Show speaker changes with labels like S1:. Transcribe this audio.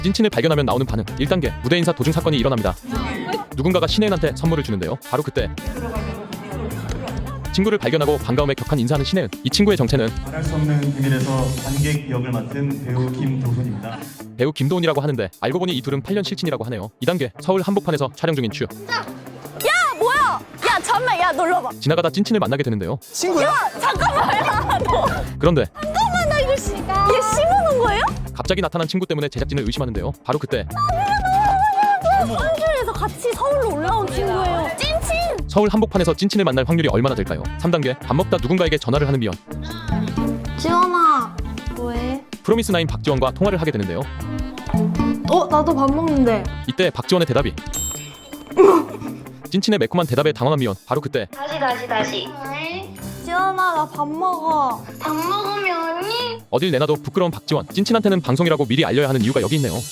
S1: 찐친을 발견하면 나오는 반응. 1단계 무대 인사 도중 사건이 일어납니다. 누군가가 신혜은한테 선물을 주는데요. 바로 그때 친구를 발견하고 반가움에 격한 인사하는 신혜은. 이 친구의 정체는
S2: 말할 수 없는 비밀에서 관객 역을 맡은 배우 김도훈입니다.
S1: 배우 김도훈이라고 하는데 알고 보니 이 둘은 8년 실친이라고 하네요. 2단계 서울 한복판에서 촬영 중인 추.
S3: 뭐야? 야 잠만, 야 놀러봐.
S1: 지나가다 찐친을 만나게 되는데요.
S3: 야 잠깐만, 야 너.
S1: 그런데
S3: 잠깐만, 나 이거 얘 심어놓은 거예요?
S1: 갑자기 나타난 친구 때문에 제작진을 의심하는데요. 바로 그때
S3: 서울에서 같이 서울로 올라온 친구예요. 찐친.
S1: 서울 한복판에서 찐친을 만날 확률이 얼마나 될까요? 3단계 밥 먹다 누군가에게 전화를 하는 미연.
S3: 지원아, 뭐해?
S1: 프로미스나인 박지원과 통화를 하게 되는데요.
S3: 나도 밥 먹는데.
S1: 이때 박지원의 대답이 찐친의 매콤한 대답에 당황한 미연. 바로 그때
S4: 다시.
S3: 지원아, 나 밥 먹어.
S4: 밥 먹으면 언니?
S1: 어딜 내놔도 부끄러운 박지원. 찐친한테는 방송이라고 미리 알려야 하는 이유가 여기 있네요.